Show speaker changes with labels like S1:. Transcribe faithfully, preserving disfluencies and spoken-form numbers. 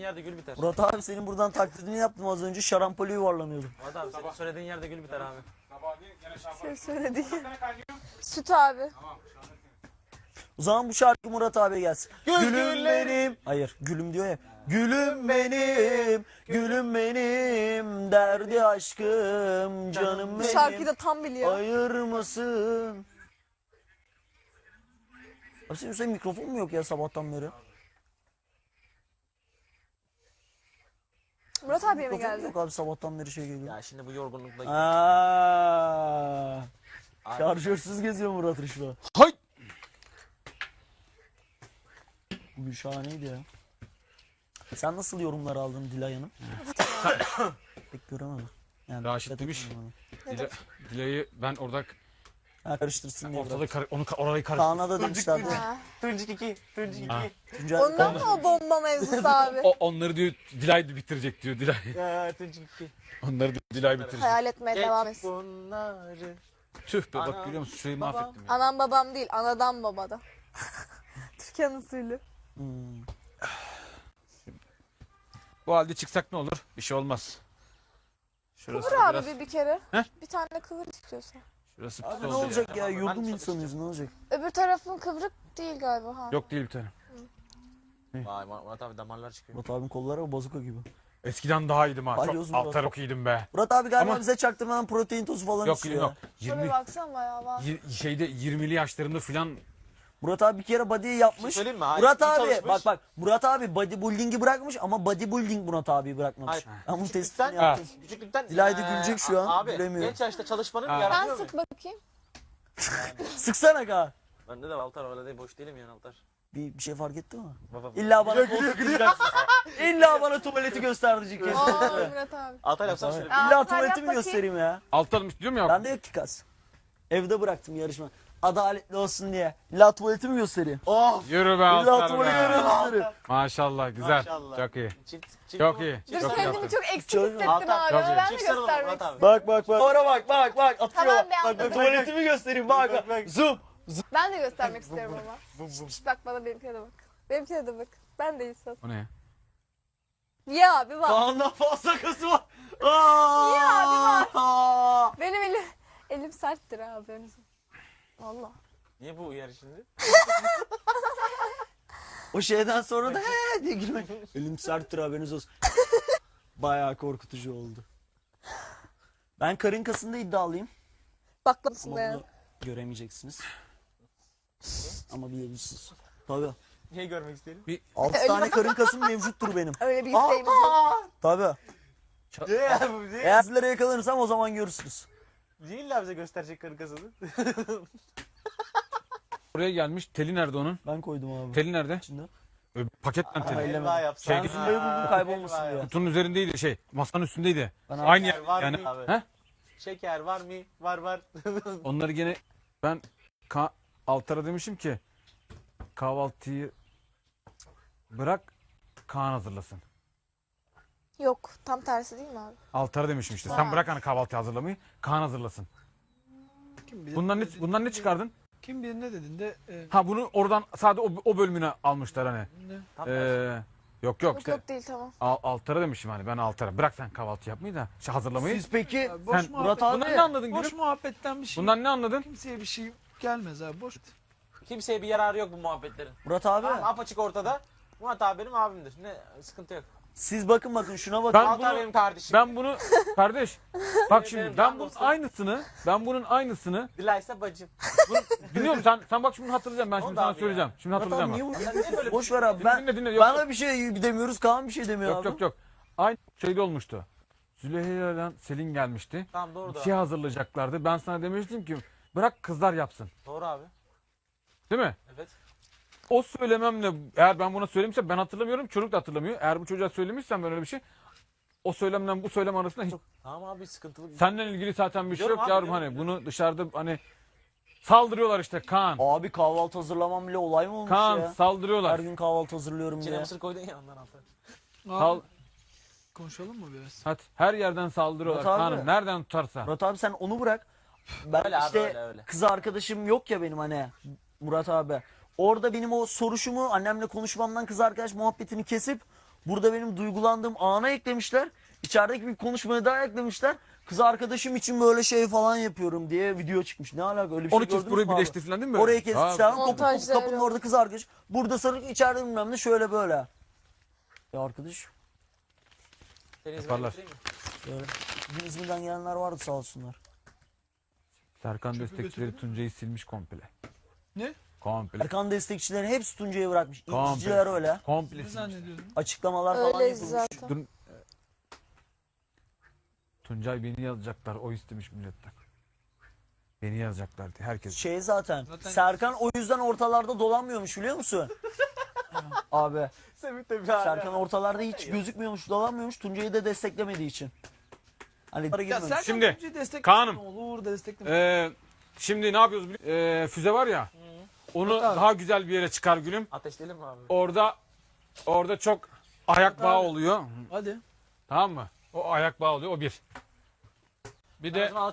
S1: yerde gül biter.
S2: Murat abi senin buradan taklidini yaptım az önce, şarampole yuvarlanıyordum.
S1: Murat abi senin söylediğin yerde gül biter abi.
S3: Sen söylediğin. Süt abi.
S2: O zaman bu şarkı Murat abiye gelsin.
S1: Göz
S2: Gülüm
S1: güllerim.
S2: benim. Hayır, gülüm diyor ya. Gülüm benim, gülüm benim, derdi aşkım, canım
S3: Bu
S2: benim.
S3: şarkıyı da tam biliyor.
S2: Ayırmasın. Abi senin üstüne mikrofon mu yok ya sabahtan beri?
S3: Murat abiye mi
S2: Mikrofon
S3: geldi?
S2: yok abi, sabahtan beri şey geliyor.
S1: Ya şimdi bu yorgunlukla...
S2: Aa,
S1: Abi,
S2: şarjörsüz geziyor Murat Rışla.
S1: hay!
S2: Bugün şahaneydi ya. Sen nasıl yorumlar aldın Dilay Hanım? Pek göremedim. Yani
S4: Raşit
S2: dikkat
S4: demiş.
S2: etmedim
S4: Dila, Dilay'ı ben orada
S2: ona. Ha, karıştırsın diye
S4: ortada
S2: bırak.
S4: kar, onu ka- orayı karıştırdım.
S2: Kaan'a da demişlerdi.
S3: Ha.
S1: Tuncik iki, Tuncik
S4: Ha.
S1: iki.
S2: Tuncay,
S3: Ondan mı o bomba mevzusu abi?
S4: O, onları diyor Dilay bitirecek diyor Dilay.
S1: Ya Tuncik iki.
S4: Onları diyor, Dilay bitirecek.
S3: Hayal etmeye devam
S1: Geç
S3: etsin.
S1: bunları.
S4: Tüh be
S1: Anam,
S4: bak görüyor musun şurayı
S1: babam.
S4: mahvettim ya.
S3: Anam babam değil, anadan babadan. Türkan usulü.
S2: Hmm.
S4: Bu halde çıksak ne olur? Bir şey olmaz. Şurası
S3: Kıvır
S4: da
S3: abi
S4: biraz,
S3: bir, bir kere.
S4: Heh.
S3: Bir tane kıvır istiyorsan.
S4: şurası
S2: Abi
S4: pis
S2: ne
S4: oldu ya.
S2: olacak ya?
S1: Ben
S2: Yurdum
S1: de
S2: insanıyız, ne olacak?
S3: Öbür tarafın kıvrık değil galiba ha.
S4: Yok değil bir tane.
S1: Vay Murat abi damarlar çıkıyor.
S2: Murat abinin kolları bazuka gibi.
S4: Eskiden daha iyiydim ha.
S2: Balyoz
S4: Çok
S2: Murat.
S4: altar okuyordum be.
S2: Murat abi galiba
S4: Ama-
S2: bize çaktırmadan protein tozu falan
S4: Yok
S2: içiyor
S4: yok.
S2: ya.
S3: Şöyle
S4: yirmi
S3: baksana bayağı var.
S4: yir- şeyde yirmili yaşlarında filan
S2: Murat abi bir kere body'yi yapmış.
S1: Söyleyeyim mi? Hayır,
S2: Murat
S1: iyi
S2: abi
S1: çalışmış.
S2: bak bak Murat abi bodybuilding'i bırakmış ama bodybuilding Murat abiyi bırakmamış.
S1: Hayır.
S2: Ben bunun
S1: Küçüklükten-
S2: testini yaptım.
S1: Küçüklükten...
S2: Dilay da
S1: eee,
S2: gülecek şu an,
S1: Abi
S2: gülemiyor.
S1: genç yaşta çalışmanın
S4: Ha.
S3: Ben
S1: yaratıyor mu?
S3: sık bakayım.
S2: Sıksana ka.
S1: Bende de Altar öyle değil, boş değilim yani Altar.
S2: Bir, bir şey fark etti mi?
S1: Baba.
S2: İlla bana kol sıkacaksın. İlla bana tuvaleti gösterecek.
S3: Aa Murat abi.
S1: Altar yapsam şöyle.
S3: Aa,
S2: İlla
S3: Altar
S2: tuvaleti
S3: yap
S2: mi
S3: bakayım.
S2: göstereyim ya?
S4: altarmış diyorum ya.
S2: Ben de yok ki kas. Evde bıraktım yarışma. Adaletli olsun diye. İlla tuvaleti mi göstereyim?
S1: Of!
S4: Yürü be
S2: İlla
S4: altar
S2: tuvaleti
S4: be.
S2: göstereyim.
S4: Maşallah güzel.
S1: Maşallah.
S4: Çok iyi.
S1: Çift, çift
S4: Çok
S1: mi?
S4: iyi.
S3: Dur
S4: Çok iyi
S3: kendimi
S4: yaptın.
S3: çok eksik
S2: Çok-
S3: hissettim
S1: Altar,
S3: abi.
S4: çok
S3: Ama
S4: iyi.
S3: ben de
S1: Çift sarılın
S3: göstermek
S1: Murat abi.
S3: istiyorum.
S2: Bak bak bak. Oraya bak bak bak. Atıyor.
S3: Tamam be,
S2: bak,
S3: anladım.
S2: bak tuvaletimi göstereyim bak bak.
S1: bak.
S2: Zoom.
S3: Ben de göstermek istiyorum ama. Şşt, bak bana benimkine de bak. Benimkine de bak. Ben de insan.
S4: O ne?
S3: Ya abi bak.
S2: Kaan'dan fazla kası var. Aa!
S3: Ya bir
S2: Aa!
S3: Benim elim elim serttir abi. Benim. Valla.
S1: Niye bu uyarı şimdi?
S2: O şeyden sonra da he diye gülmek. Elim serttir haberiniz olsun. Bayağı korkutucu oldu. Ben karın kasında iddialıyım.
S3: Baklasın
S2: Ama
S3: be.
S2: bunu göremeyeceksiniz. Ama bilebilirsiniz. Tabii.
S1: Niye görmek isteyelim?
S2: altı tane karın kasım mevcuttur benim.
S3: Öyle bir isteğimiz yok.
S2: Tabii.
S1: Niye bu niye?
S2: Eğer sizlere yakalanırsam o zaman görürsünüz.
S1: Niye illa bize gösterecek karı kasını?
S4: Buraya gelmiş. Teli nerede onun?
S2: Ben koydum abi.
S4: Teli nerede?
S2: İçinde.
S4: Ö, Paketle
S2: Aa,
S4: teli.
S2: ellemedim.
S1: Elva yapsan.
S4: Şey-
S2: Zımbayı buldum, kaybolmasın
S1: Elva
S2: diye.
S1: yap.
S4: Kutunun üzerindeydi şey. Masanın üstündeydi.
S2: Ben
S4: Aynı
S1: Şeker
S4: yer
S1: var
S4: yani.
S1: mı abi?
S4: He?
S1: Şeker var mı? Var var.
S4: Onları gene ben ka- Altar'a demişim ki kahvaltıyı bırak Kaan hazırlasın.
S3: Yok tam tersi değil mi abi?
S4: Altar'a demişim işte.
S3: Ha.
S4: Sen bırak hani kahvaltıyı hazırlamayı. Kaan hazırlasın.
S5: Kim bilir,
S4: Bundan ne bundan ne çıkardın?
S5: kim bilir ne dediğinde e,
S4: Ha bunu oradan sadece o, o bölümüne almışlar hani.
S5: ne?
S1: Tam tersi.
S4: Ee, yok yok
S3: Yok
S4: işte
S3: yok değil tamam.
S4: Al- Altar'a demişim hani ben Altar'a. Bırak sen kahvaltı yapmayı da şey hazırlamayı.
S2: Siz peki
S5: Ya boş
S4: Sen-
S5: muhabbet,
S2: Murat abi-
S4: Bundan ne anladın
S5: boş
S4: gülüm?
S5: muhabbetten bir şey.
S4: Bundan ne anladın?
S5: Kimseye bir şey gelmez abi boş.
S1: Kimseye bir yararı yok bu muhabbetlerin.
S2: Murat abi
S1: Tamam, apaçık ortada. Murat abi benim abimdir. Ne sıkıntı yok.
S2: siz bakın bakın şuna bakın.
S4: Ben
S1: Altar
S4: bunu-
S1: benim kardeşim.
S4: Ben bunu kardeş bak şimdi
S1: benim
S4: ben
S1: can
S4: bunun
S1: dostum.
S4: aynısını ben bunun aynısını
S1: Dilaysa bacım.
S4: dinliyor musun sen sen bak şimdi hatırlayacağım ben
S1: O
S4: şimdi
S1: da
S4: sana
S1: abi
S4: söyleyeceğim. Şimdi
S2: Murat abi
S4: hatırlayacağım.
S2: niye
S4: bak.
S2: bu?
S1: Sen niye böyle
S2: Boş ver abi. Ben
S4: Dinle dinle yok
S2: ben
S4: yok.
S2: de bir şey demiyoruz. Kaan bir şey demiyor
S4: Yok
S2: abi.
S4: yok yok. Aynı şeyde olmuştu. Züleyha ile Selin gelmişti.
S1: Tamam doğru
S4: Bir
S1: da.
S4: şey hazırlayacaklardı. Ben sana demiştim ki bırak kızlar yapsın.
S1: Doğru abi.
S4: Değil mi?
S1: Evet.
S4: O söylememle eğer ben buna söylemişsem ben hatırlamıyorum. Çocuk da hatırlamıyor. Eğer bu çocuğa söylemişsem ben öyle bir şey o söylemle bu söylem arasında hiç
S1: Tamam abi sıkıntılı.
S4: senden ilgili zaten bir şey
S1: Biliyorum
S4: yok
S1: abi,
S4: yavrum
S1: biliyorum,
S4: hani
S1: biliyorum.
S4: bunu dışarıda hani saldırıyorlar işte Kaan.
S2: Abi kahvaltı hazırlamam bile olay mı olmuş
S4: Kaan
S2: ya? Her
S4: saldırıyorlar.
S2: gün kahvaltı hazırlıyorum
S1: İçine
S2: diye.
S1: mısır koydun ya ondan Altar.
S4: Sal,
S5: Abi, konuşalım mı biraz?
S4: hadi her yerden saldırıyorlar
S2: Murat abi.
S4: Kaan'ım nereden tutarsa.
S2: Murat abi sen onu bırak. Ben
S1: Öyle abi,
S2: işte
S1: öyle, öyle.
S2: kız arkadaşım yok ya benim hani Murat abi. Orada benim o soruşumu annemle konuşmamdan kız arkadaş muhabbetini kesip Burada benim duygulandığım ana eklemişler. İçerideki bir konuşmaya daha eklemişler. Kız arkadaşım için böyle şey falan yapıyorum diye video çıkmış. Ne alaka, öyle bir şey
S4: onu kes
S2: gördünüz
S4: burayı
S2: mü abi?
S4: birleştir falan değil mi?
S2: Orayı
S4: Ha,
S2: kesmişler. Kapı, kapı,
S3: Montajda
S2: kapının
S3: öyle
S2: orada kız arkadaş. Burada sarık, içeride bilmem ne, şöyle böyle. Ya arkadaş
S1: Seni İzmir'e
S4: Yaparlar.
S1: götüreyim mi?
S2: böyle. Bir İzmir'den gelenler vardı, sağ olsunlar.
S4: Serkan
S5: Çöpü
S4: destekçileri
S5: götürdün
S4: Tuncay'ı silmiş komple.
S5: Ne?
S4: Komple.
S2: Erkan destekçileri hepsi Tuncay'ı bırakmış.
S4: Komple.
S2: İlkiciler öyle.
S4: Komple
S5: Ne
S4: silmiş.
S5: zannediyordun?
S2: Açıklamalar falan
S3: Öyleyiz
S2: yapılmış.
S3: zaten.
S4: Dur. Tuncay beni yazacaklar. O istemiş milletten. Beni yazacaklar diye herkes.
S2: Şey zaten,
S5: Zaten-
S2: Serkan o yüzden ortalarda dolanmıyormuş, biliyor musun? Abi
S1: Semih de bir
S2: Serkan ortalarda hiç gözükmüyormuş, dolanmıyormuş Tuncay'ı da desteklemediği için. Hani para
S5: Ya
S2: girmemiş.
S5: Serkan
S4: Şimdi,
S5: Tuncay'ı desteklesin,
S4: Kaan'ım.
S5: ne olur destekleme.
S4: Ee, şimdi ne yapıyoruz biliyor musun? Ee, füze var ya. Onu
S5: Evet abi.
S4: daha güzel bir yere çıkar gülüm.
S1: Ateşleyelim mi abi?
S4: Orada orada çok ayak bağı oluyor.
S5: Hadi.
S4: Tamam mı? O ayak bağı oluyor. O bir. Bir de
S1: Ben o zaman